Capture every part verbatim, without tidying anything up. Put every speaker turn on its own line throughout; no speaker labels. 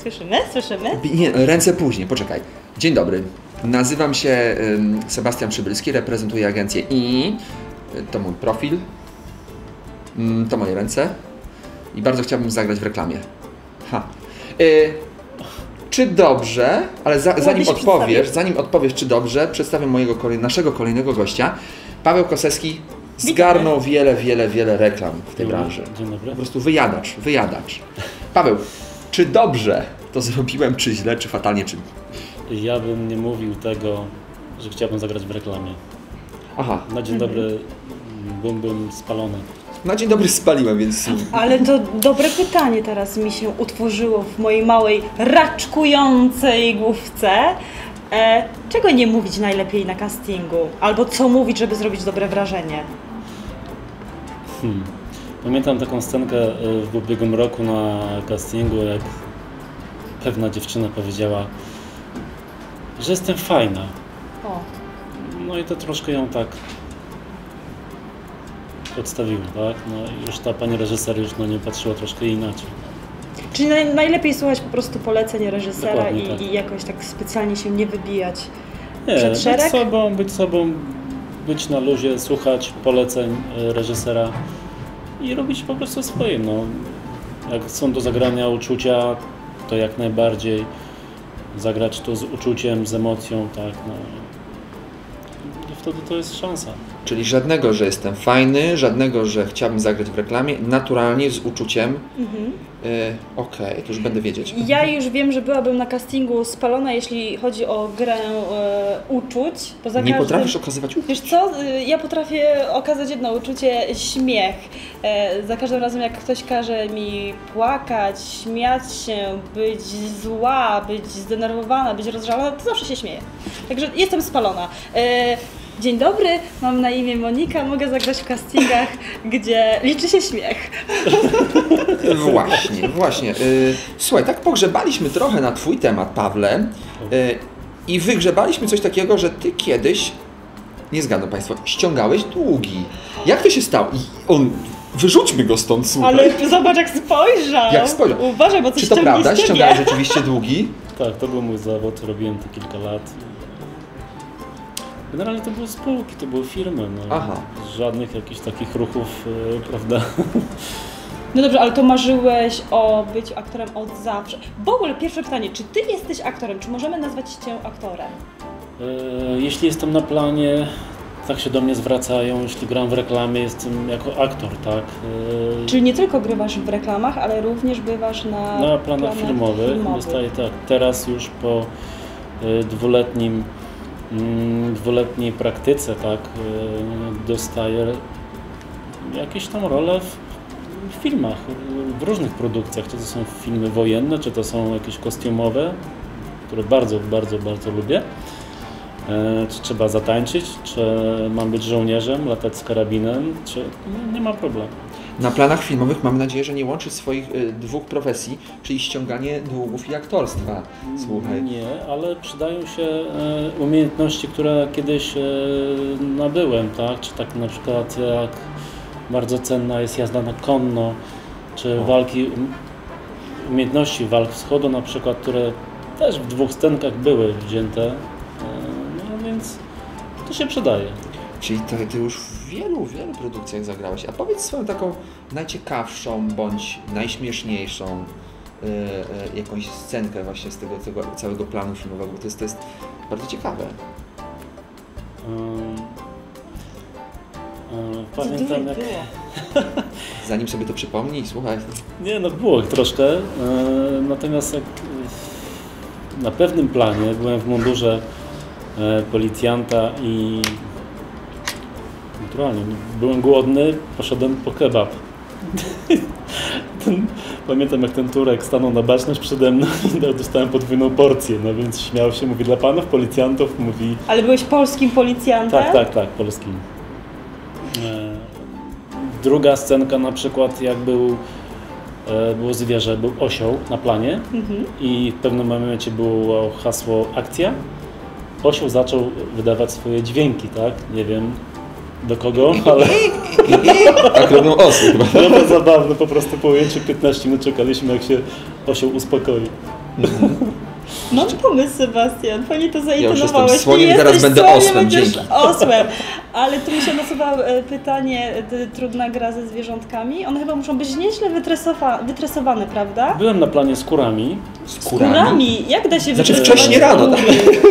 Słyszymy? Słyszymy?
Nie, ręce później, poczekaj. Dzień dobry. Nazywam się um, Sebastian Przybylski, reprezentuję agencję I. To mój profil. Um, to moje ręce. I bardzo chciałbym zagrać w reklamie. Ha. Y Czy dobrze, ale za, zanim odpowiesz, zanim odpowiesz, czy dobrze, przedstawię mojego kolej, naszego kolejnego gościa. Paweł Kosewski zgarnął wiele, wiele, wiele reklam w tej branży.
Dzień dobry.
Po prostu wyjadacz, wyjadacz. Paweł, czy dobrze to zrobiłem, czy źle, czy fatalnie, czy...
Ja bym nie mówił tego, że chciałbym zagrać w reklamie.
Aha.
Na dzień
mhm.
dobry byłbym spalony.
Na dzień dobry spaliłem, więc...
Ale to dobre pytanie teraz mi się utworzyło w mojej małej, raczkującej główce. E, czego nie mówić najlepiej na castingu? Albo co mówić, żeby zrobić dobre wrażenie?
Hmm. Pamiętam taką scenkę w ubiegłym roku na castingu, jak pewna dziewczyna powiedziała, że jestem fajna.
O.
No i to troszkę ją tak odstawiło, tak? No i już ta pani reżyser już na nie patrzyła troszkę inaczej.
Czyli naj, najlepiej słuchać po prostu poleceń reżysera i,
tak.
i jakoś tak specjalnie się nie wybijać
nie,
przed szereg?
być sobą, być sobą, być na luzie, słuchać poleceń reżysera i robić po prostu swoje. No. Jak są do zagrania uczucia, to jak najbardziej zagrać to z uczuciem, z emocją, tak, no. I wtedy to jest szansa.
Czyli żadnego, że jestem fajny, żadnego, że chciałbym zagrać w reklamie, naturalnie, z uczuciem. Mhm. Y, Okej, okay, to już będę wiedzieć.
Ja już wiem, że byłabym na castingu spalona, jeśli chodzi o grę e, uczuć. Bo za
Nie
każdym...
potrafisz okazywać uczuć?
Wiesz co, ja potrafię okazać jedno uczucie, śmiech. E, za każdym razem, jak ktoś każe mi płakać, śmiać się, być zła, być zdenerwowana, być rozżalona, to zawsze się śmieję. Także jestem spalona. E, Dzień dobry, mam na imię Monika, mogę zagrać w castingach, gdzie liczy się śmiech.
Właśnie, właśnie. Słuchaj, tak pogrzebaliśmy trochę na twój temat, Pawle, i wygrzebaliśmy coś takiego, że ty kiedyś, nie zgadną państwo, ściągałeś długi. Jak to się stało? I on, wyrzućmy go stąd, słuchaj.
Ale zobacz, jak spojrzał.
Jak spojrzał.
Uważaj, bo coś
Czy to prawda?
z ciebie.
Ściągałeś rzeczywiście długi?
Tak, to był mój zawód, robiłem to kilka lat. Generalnie to były spółki, to były firmy, no.
Aha.
Żadnych jakichś takich ruchów, yy, prawda?
No dobrze, ale to marzyłeś o byciu aktorem od zawsze. W ogóle pierwsze pytanie, czy ty jesteś aktorem? Czy możemy nazwać cię aktorem?
Yy, jeśli jestem na planie, tak się do mnie zwracają, jeśli gram w reklamie, jestem jako aktor, tak? Yy,
Czyli nie tylko grywasz w reklamach, ale również bywasz na,
na planach, planach filmowych.
filmowych.
Dostaję, tak, teraz już po yy, dwuletnim dwuletniej praktyce, tak, dostaję jakieś tam role w, w filmach, w różnych produkcjach, czy to są filmy wojenne, czy to są jakieś kostiumowe, które bardzo, bardzo, bardzo lubię. Czy trzeba zatańczyć, czy mam być żołnierzem, latać z karabinem, czy no, nie ma problemu.
Na planach filmowych mam nadzieję, że nie łączysz swoich y, dwóch profesji, czyli ściąganie długów i aktorstwa. Słuchaj.
Nie, ale przydają się y, umiejętności, które kiedyś y, nabyłem, tak? Czy tak na przykład jak bardzo cenna jest jazda na konno, czy o. walki, umiejętności walk wschodu na przykład, które też w dwóch scenkach były wzięte, y, no więc to się przydaje.
Czyli to, ty już w wielu, wielu produkcjach zagrałeś. A powiedz swoją taką najciekawszą bądź najśmieszniejszą yy, yy, jakąś scenkę właśnie z tego, tego całego planu filmowego, bo to jest, to jest bardzo ciekawe.
Um, um, pamiętam jak...
Zanim sobie to przypomnij, słuchaj.
Nie, no było troszkę, yy, natomiast jak yy, na pewnym planie byłem w mundurze yy, policjanta i naturalnie, byłem głodny, poszedłem po kebab. Ten, pamiętam jak ten Turek stanął na baczność przede mną i dostałem podwójną porcję, no więc śmiał się, mówi dla panów policjantów, mówi...
Ale byłeś polskim policjantem?
Tak, tak, tak, polskim. Druga scenka na przykład jak był, było zwierzę, był osioł na planie mhm. i w pewnym momencie było hasło akcja. Osioł zaczął wydawać swoje dźwięki, tak, nie wiem do kogo, ale...
Tak robią osy chyba.
No to zabawne, po prostu po ujęciu piętnaście minut czekaliśmy jak się osioł uspokoi.
Mam pomysł, Sebastian, fajnie to
Ja już
zaintonowałeś.
jestem słoniem,
Ty
teraz
jesteś
będę
słoniem,
osłem,
będziesz
dzięki.
osłem. Ale tu mi się nasuwa e, pytanie, e, trudna gra ze zwierzątkami. One chyba muszą być nieźle wytresowa- wytresowane, prawda?
Byłem na planie z kurami.
Skórami? Jak da się
Znaczy
wytresować
wcześniej rano, tak?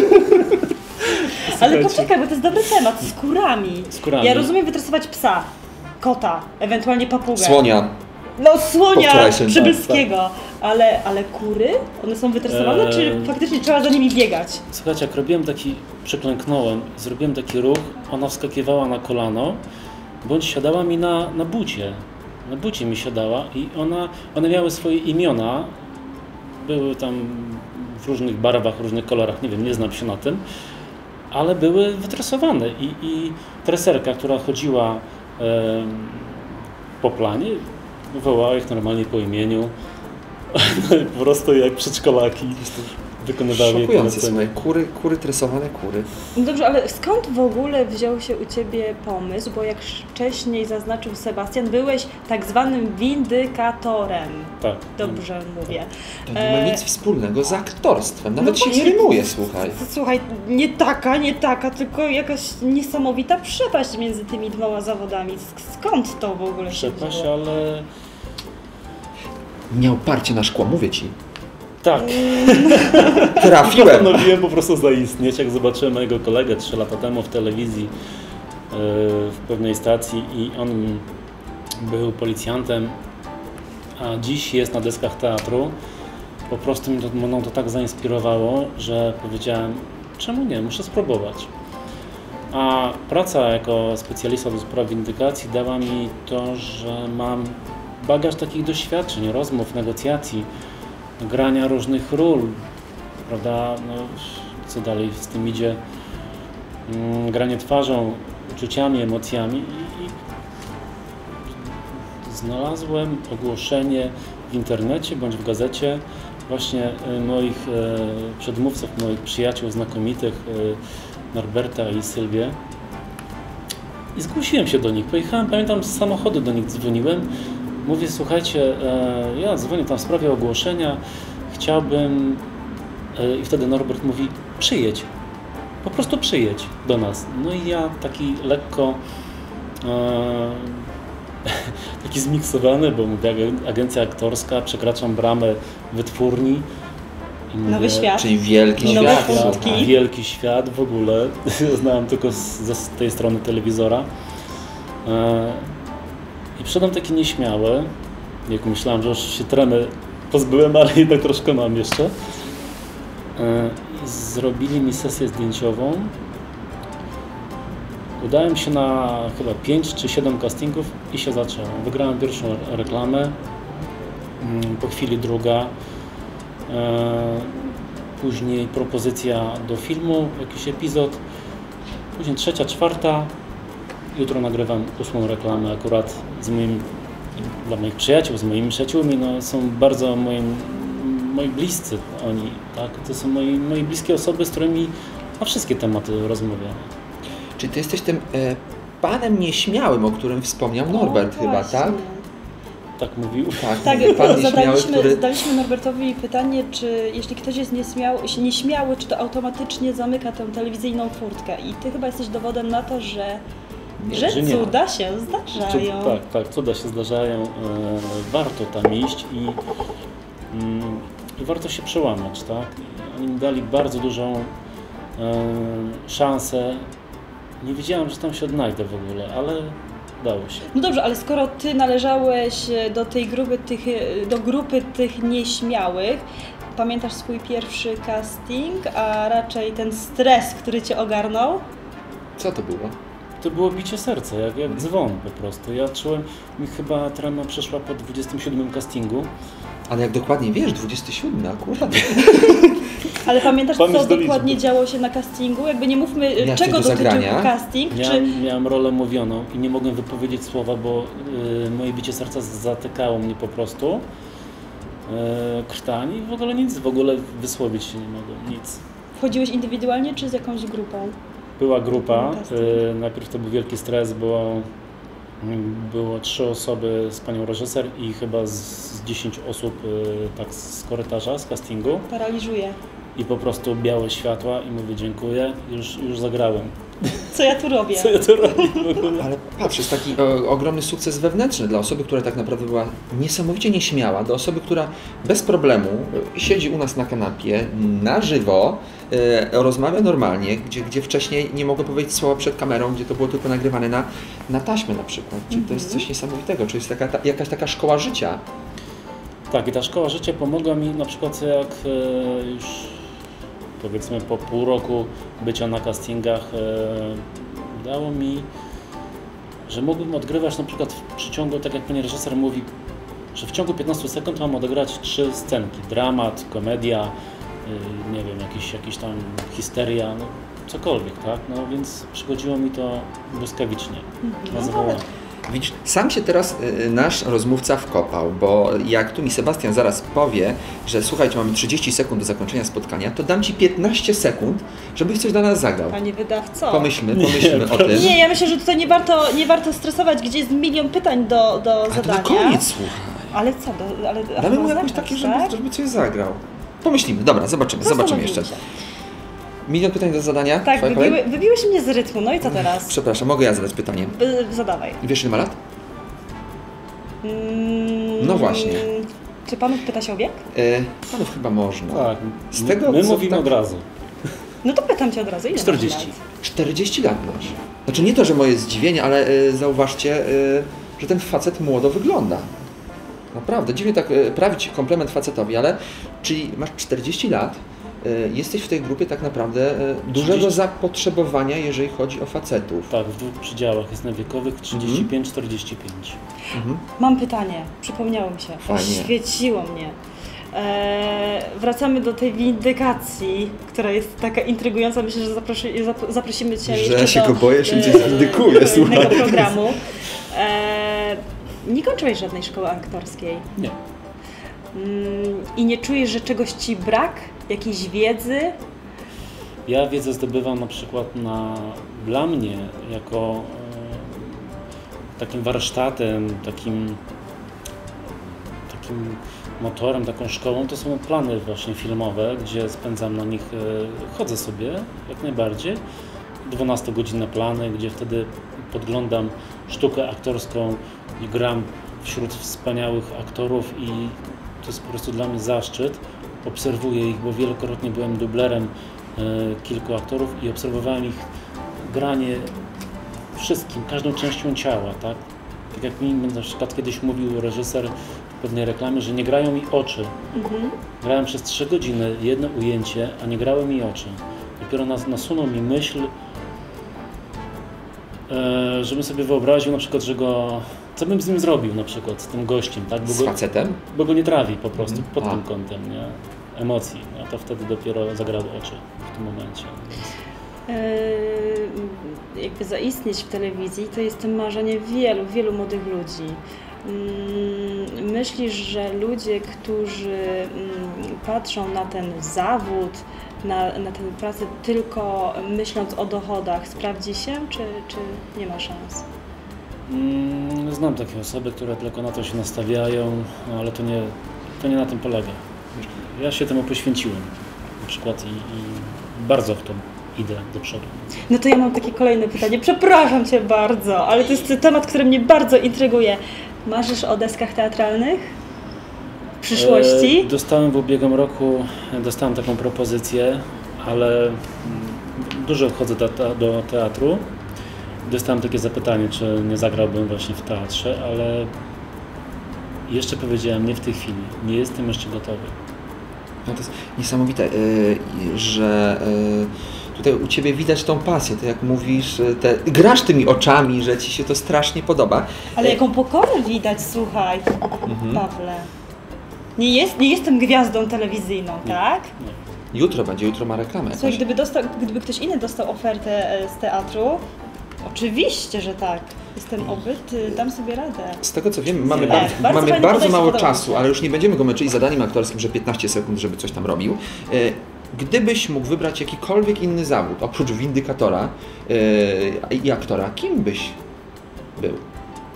Ale poczekaj, bo to jest dobry temat. Skórami.
Skórami.
Ja rozumiem wytresować psa, kota, ewentualnie papugę.
Słonia.
No słonia
Powczorajszym,
przybylskiego. Ale, ale kury? One są wytresowane,
Eee.
czy faktycznie trzeba za nimi biegać?
Słuchajcie, jak robiłem taki, przyklęknąłem, zrobiłem taki ruch, ona wskakiwała na kolano, bądź siadała mi na, na bucie. Na bucie mi siadała i ona, one miały swoje imiona, były tam w różnych barwach, różnych kolorach, nie wiem, nie znam się na tym, ale były wytresowane i, i treserka, która chodziła em, po planie, wołała ich normalnie po imieniu, no i po prostu jak przedszkolaki wykonywały jej
Szokujące,
polecenia.
słuchaj, kury, kury, tresowane kury.
No dobrze, ale skąd w ogóle wziął się u Ciebie pomysł? Bo jak wcześniej zaznaczył Sebastian, byłeś tak zwanym windykatorem.
Tak.
Dobrze mówię.
To nie ma
E,
nic wspólnego z aktorstwem, nawet
no
się nie
właśnie.
rymuje, słuchaj.
Słuchaj, nie taka, nie taka, tylko jakaś niesamowita przepaść między tymi dwoma zawodami. Sk- Skąd to w ogóle się
Przepaść,
wzięło?
ale
Miał parcie na szkło, mówię ci.
tak.
Trafiłem!
Postanowiłem po prostu zaistnieć, jak zobaczyłem mojego kolegę trzy lata temu w telewizji yy, w pewnej stacji i on był policjantem, a dziś jest na deskach teatru. Po prostu mnie to, mną to tak zainspirowało, że powiedziałem, czemu nie, muszę spróbować. A praca jako specjalista do spraw windykacji dała mi to, że mam bagaż takich doświadczeń, rozmów, negocjacji, grania różnych ról, prawda, no, co dalej z tym idzie, mm, granie twarzą, uczuciami, emocjami i, i znalazłem ogłoszenie w internecie bądź w gazecie właśnie y, moich e, przedmówców, moich przyjaciół znakomitych, y, Norberta i Sylwię i zgłosiłem się do nich, pojechałem, pamiętam, z samochodu do nich dzwoniłem. Mówię, słuchajcie, e, ja dzwonię tam w sprawie ogłoszenia, chciałbym... E, I wtedy Norbert mówi, przyjedź, po prostu przyjedź do nas. No i ja taki lekko, e, taki zmiksowany, bo mówię, agencja aktorska, przekraczam bramę wytwórni. I mówię,
Nowy świat.
Czyli wielki
Nowe
świat.
furtki.
słuchaj.
Wielki świat w ogóle, znałem tylko z, z tej strony telewizora. E, I przyszedłem taki nieśmiały, jak myślałem, że już się tremy pozbyłem, ale jednak troszkę mam jeszcze. I zrobili mi sesję zdjęciową. Udałem się na chyba pięć czy siedem castingów i się zaczęło. Wygrałem pierwszą reklamę, po chwili druga, później propozycja do filmu, jakiś epizod, później trzecia, czwarta. Jutro nagrywam ósmą reklamę akurat z moim, dla moich przyjaciół, z moimi przyjaciółmi, no, są bardzo moim, moi bliscy oni, tak? To są moi, moi bliskie osoby, z którymi na wszystkie tematy rozmawiamy.
Czyli ty jesteś tym e, panem nieśmiałym, o którym wspomniał Norbert
O,
chyba,
właśnie.
tak?
Tak mówił.
Tak,
Tak,
pan nieśmiały,
zadaliśmy,
który...
zadaliśmy Norbertowi pytanie, czy jeśli ktoś jest nieśmiały, nieśmiały, czy to automatycznie zamyka tę telewizyjną furtkę. I ty chyba jesteś dowodem na to, że,
Nie,
że
że nie.
cuda się zdarzają.
Cud, tak, tak, cuda się zdarzają. E, warto tam iść i, mm, i warto się przełamać, tak? Oni mi dali bardzo dużą e, szansę. Nie wiedziałem, że tam się odnajdę w ogóle, ale dało się.
No dobrze, ale skoro ty należałeś do tej grupy tych, do grupy tych nieśmiałych, pamiętasz swój pierwszy casting, a raczej ten stres, który cię ogarnął?
Co to było?
To było bicie serca, jak, jak dzwon po prostu. Ja czułem, mi chyba trema przeszła po dwudziestym siódmym castingu.
Ale jak dokładnie wiesz, dwudziesty siódmy akurat.
Ale pamiętasz,
Pamięć
co
do
dokładnie
liczby.
działo się na castingu? Jakby nie mówmy,
Miałeś
czego
coś do
dotyczył
zagrania?
casting, czy...
Miałem, miałem rolę mówioną i nie mogłem wypowiedzieć słowa, bo y, moje bicie serca zatykało mnie po prostu. Y, krtani i w ogóle nic, w ogóle wysłowić się nie mogłem, nic.
Wchodziłeś indywidualnie, czy z jakąś grupą?
Była grupa,
Casting.
y, najpierw to był wielki stres, było Było trzy osoby z panią reżyser i chyba z, z dziesięć osób y, tak z korytarza, z castingu.
Paraliżuje.
I po prostu białe światła i mówię dziękuję, już, już zagrałem.
Co ja tu robię?
Co ja tu robię w ogóle?
Ale patrz, jest taki o, ogromny sukces wewnętrzny dla osoby, która tak naprawdę była niesamowicie nieśmiała, do osoby, która bez problemu siedzi u nas na kanapie, na żywo, e, rozmawia normalnie, gdzie, gdzie wcześniej nie mogła powiedzieć słowa przed kamerą, gdzie to było tylko nagrywane na, na taśmę na przykład. Czyli to jest coś niesamowitego, czy jest taka, ta, jakaś taka szkoła życia.
Tak, i ta szkoła życia pomogła mi na przykład jak e, już powiedzmy po pół roku bycia na castingach e, dało mi, że mógłbym odgrywać na przykład w przeciągu, tak jak pani reżyser mówi, że w ciągu piętnastu sekund mam odegrać trzy scenki. Dramat, komedia, e, nie wiem, jakiś, jakiś tam histeria, no, cokolwiek, tak? No więc przychodziło mi to błyskawicznie.
No,
Nazywało.
Widzisz, sam się teraz y, nasz rozmówca wkopał, bo jak tu mi Sebastian zaraz powie, że słuchajcie, mamy trzydzieści sekund do zakończenia spotkania, to dam Ci piętnaście sekund, żebyś coś dla nas zagrał.
Panie wydawco.
Pomyślmy, pomyślmy
Nie,
o tym.
Nie, ja myślę, że tutaj nie warto, nie warto stresować, gdzie jest milion pytań do, do
A to
zadania.
na koniec, słuchaj.
Ale co? Do, ale, a
Damy
to
mu
ma
jakoś
znaczać,
takie, żeby,
tak?
żeby coś zagrał. Pomyślimy, dobra, zobaczymy, zobaczymy jeszcze.
Zastanowimy się.
Milion pytań do zadania?
Tak,
Twoja kolej?
wybiły, wybiłeś mnie z rytmu, no i co teraz?
Przepraszam, mogę ja zadać pytanie.
Y, Zadawaj.
Wiesz, ile ma lat?
Mm,
No właśnie.
Czy panów pyta się o wiek?
E, panów chyba można.
Tak,
Z tego,
my
co
mówimy
tak-
od razu.
No to pytam cię od razu, ile masz
czterdzieści.
lat?
czterdzieści lat masz. Znaczy nie to, że moje zdziwienie, ale e, zauważcie, e, że ten facet młodo wygląda. Naprawdę, dziwnie tak e, prawić komplement facetowi, ale czyli masz czterdzieści lat, e, jesteś w tej grupie tak naprawdę e, dużego
trzydzieści
zapotrzebowania, jeżeli chodzi o facetów.
Tak, w dwóch przedziałach jest na wiekowych trzydzieści pięć czterdzieści pięć.
Mhm.
Mam pytanie, przypomniało mi się,
Fajnie.
oświeciło mnie. Eee, wracamy do tej windykacji, która jest taka intrygująca. Myślę, że zaprosi, zap- zaprosimy Cię
Że
jeszcze
ja się
do
go boję, że mnie
e,
zwindykuje,
do innego
słuchaj.
programu. Eee, nie kończyłeś żadnej szkoły aktorskiej
Nie.
mm, i nie czujesz, że czegoś Ci brak? Jakiejś wiedzy?
Ja wiedzę zdobywam na przykład na, dla mnie jako e, takim warsztatem, takim, takim motorem, taką szkołą, to są plany właśnie filmowe, gdzie spędzam na nich, e, chodzę sobie jak najbardziej, dwunastogodzinne plany, gdzie wtedy podglądam sztukę aktorską i gram wśród wspaniałych aktorów i to jest po prostu dla mnie zaszczyt. Obserwuję ich, bo wielokrotnie byłem dublerem e, kilku aktorów i obserwowałem ich granie wszystkim, każdą częścią ciała, tak? Tak jak mi na przykład kiedyś mówił reżyser w pewnej reklamie, że nie grają mi oczy.
Mhm.
Grałem przez trzy godziny jedno ujęcie, a nie grały mi oczy. Dopiero nas, nasunął mi myśl, e, żebym sobie wyobraził na przykład, że go... Co bym z nim zrobił na przykład, z tym gościem, tak? Bo
Z
go,
facetem?
bo go nie trawi po prostu
Mhm.
pod
A.
tym kątem, nie? Emocji. No to wtedy dopiero zagrały oczy w tym momencie.
Yy, jakby zaistnieć w telewizji, to jest marzenie wielu, wielu młodych ludzi. Yy, Myślisz, że ludzie, którzy yy, patrzą na ten zawód, na, na tę pracę tylko myśląc o dochodach, sprawdzi się, czy, czy nie ma szans?
Mm, Znam takie osoby, które tylko na to się nastawiają, no ale to nie, to nie na tym polega. Ja się temu poświęciłem na przykład i, i bardzo w to idę do przodu.
No to ja mam takie kolejne pytanie. Przepraszam Cię bardzo, ale to jest temat, który mnie bardzo intryguje. Marzysz o deskach teatralnych w przyszłości?
E, dostałem w ubiegłym roku, dostałem taką propozycję, ale mm, dużo chodzę do, do teatru. Dostałem takie zapytanie, czy nie zagrałbym właśnie w teatrze, ale jeszcze powiedziałem nie w tej chwili, nie jestem jeszcze gotowy.
No to jest niesamowite, y, że y, tutaj u Ciebie widać tą pasję, to jak mówisz, y, te, grasz tymi oczami, że Ci się to strasznie podoba.
Ale jaką pokorę widać, słuchaj,
Mhm.
Pawle. Nie, jest, nie jestem gwiazdą telewizyjną, tak?
Nie.
Jutro będzie, jutro ma reklamę.
Słuchaj,
jakąś.
gdyby, dostał, gdyby ktoś inny dostał ofertę e, z teatru, oczywiście, że tak. Jestem obyty, dam sobie radę.
Z tego co wiem, mamy,
Tak,
bardzo,
bardzo
mamy
fajne
bardzo
podejście,
mało
podoba mi
czasu,
się.
ale już nie będziemy go męczyli zadaniem aktorskim, że piętnaście sekund, żeby coś tam robił. Y, Gdybyś mógł wybrać jakikolwiek inny zawód, oprócz windykatora yy, i aktora, kim byś był?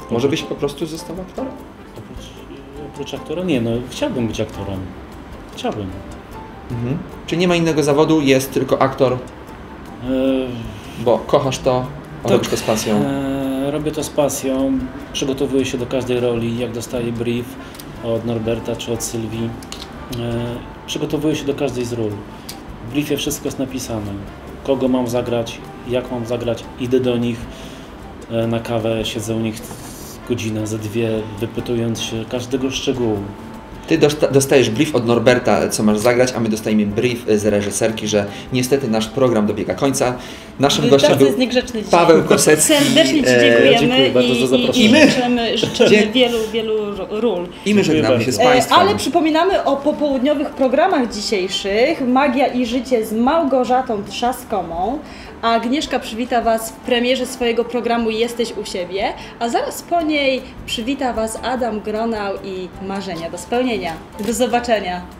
Może byś po prostu został aktorem?
Oprócz, oprócz aktora? Nie, no chciałbym być aktorem. Chciałbym.
Mhm. Czy nie ma innego zawodu, jest tylko aktor,
Eee,
bo kochasz to, a robisz to z pasją?
Eee, robię to z pasją, przygotowuję się do każdej roli, jak dostaję brief od Norberta czy od Sylwii. Eee, przygotowuję się do każdej z ról. W briefie wszystko jest napisane. Kogo mam zagrać, jak mam zagrać, idę do nich e, na kawę, siedzę u nich godzinę, ze dwie, wypytując się każdego szczegółu.
Ty dosta- dostajesz brief od Norberta, co masz zagrać, a my dostajemy brief z reżyserki, że niestety nasz program dobiega końca. Naszym gościem
Bardzo
był
jest niegrzeczny dzisiaj.
Paweł Kosecki.
Serdecznie Ci
E,
dziękujemy
dziękuję bardzo
i,
za
i,
zaproszenie.
i
I my-
życzymy, życzymy
Dzie-
wielu, wielu ról.
I my żegnamy
Dziękuję
się z
bardzo.
E,
Państwem.
Ale przypominamy o popołudniowych programach dzisiejszych. Magia i życie z Małgorzatą Trzaskomą. A Agnieszka przywita Was w premierze swojego programu Jesteś u siebie, a zaraz po niej przywita Was Adam Gronał i Marzenia do spełnienia. Do zobaczenia.